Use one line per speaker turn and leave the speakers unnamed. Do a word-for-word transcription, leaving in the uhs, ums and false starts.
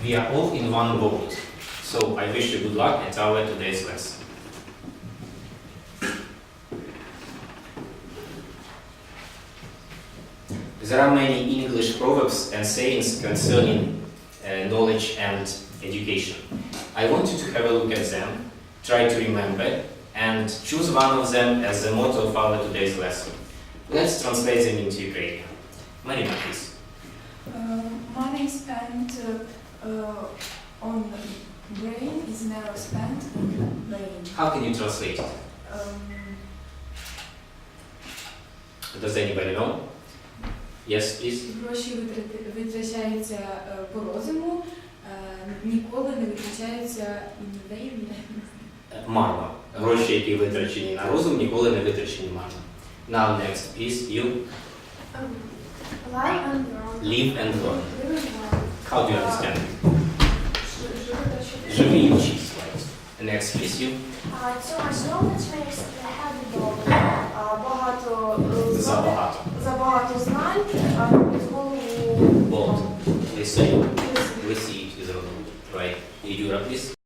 We are all in one boat. So I wish you good luck at our today's lesson. There are many English proverbs and sayings concerning uh, knowledge and education. I want you to have a look at them, try to remember, and choose one of them as the motto of our today's lesson. Let's translate them into Ukrainian. Marina, please.
Uh, money spent uh, uh, on brain is never spent on brain.
How can you translate it?
Um,
Does anybody know? Yes, please.
Гроші витрати- витрачаються е, по розуму, е, ніколи не витрачаються in vain.
Марно. Гроші, які витрачені на розум, ніколи не витрачені марно. Now next, please, you.
Um, live and wrong.
Live and learn.
Live and wrong.
How do you understand?
Живи
Живи і вчись. Next, please, you.
Uh, too much knowledge makes the head dull. Uh, багато е, знань-
Забагато.
забагато знань, а робить голову
Bold. Listen.
лисою.
Лисі із розуму. Right. Юра, please.